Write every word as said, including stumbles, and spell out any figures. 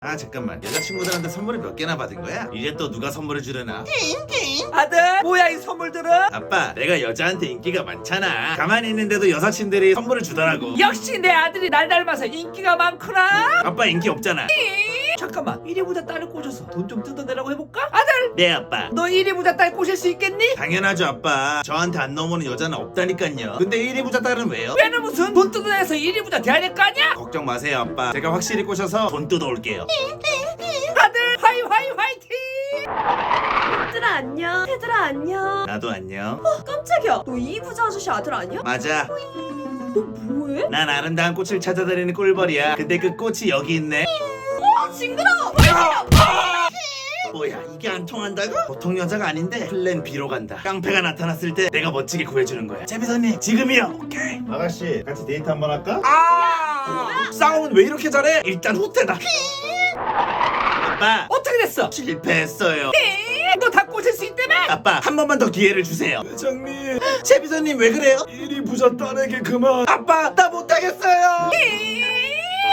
아 잠깐만, 여자친구들한테 선물을 몇 개나 받은 거야? 이제 또 누가 선물을 주려나? 아들 뭐야 이 선물들은? 아빠, 내가 여자한테 인기가 많잖아. 가만히 있는데도 여사친들이 선물을 주더라고. 역시 내 아들이 날 닮아서 인기가 많구나. 아빠 인기 없잖아. 잠깐만 이리 부자 딸을 꼬셔서 돈 좀 뜯어내라고 해볼까? 아들 네 아빠. 너 이리 부자 딸 꼬실 수 있겠니? 당연하죠 아빠. 저한테 안 넘어오는 여자는 없다니깐요. 근데 일 위 부자 딸은 왜요? 왜는 무슨 돈 뜯어내서 이리 부자 돼야 될 거 아니야? 걱정 마세요 아빠. 제가 확실히 꼬셔서 돈 뜯어올게요. 아들 화이 화이 화이팅! 얘들아 안녕. 얘들아 안녕. 나도 안녕. 깜짝이야. 너 이 부자 아저씨 아들 아니야? 맞아. 너 뭐해? 난 아름다운 꽃을 찾아다니는 꿀벌이야. 근데 그 꽃이 여기 있네. 아 징그러워. 뭐야 이게 안 통한다고? 보통 여자가 아닌데 플랜 B로 간다. 깡패가 나타났을 때 내가 멋지게 구해주는 거야. 제비선님 지금이요. 오케이. 아가씨 같이 데이트 한번 할까? 아 싸움은 왜 이렇게 잘해? 일단 후퇴다. 아빠 어떻게 됐어? 실패했어요. 너 다 꼬실 수 있다며? 아빠 한 번만 더 기회를 주세요. 회장님 제비선님 왜 그래요? 일 위 부자 딸에게 그만. 아빠 나 못하겠어요.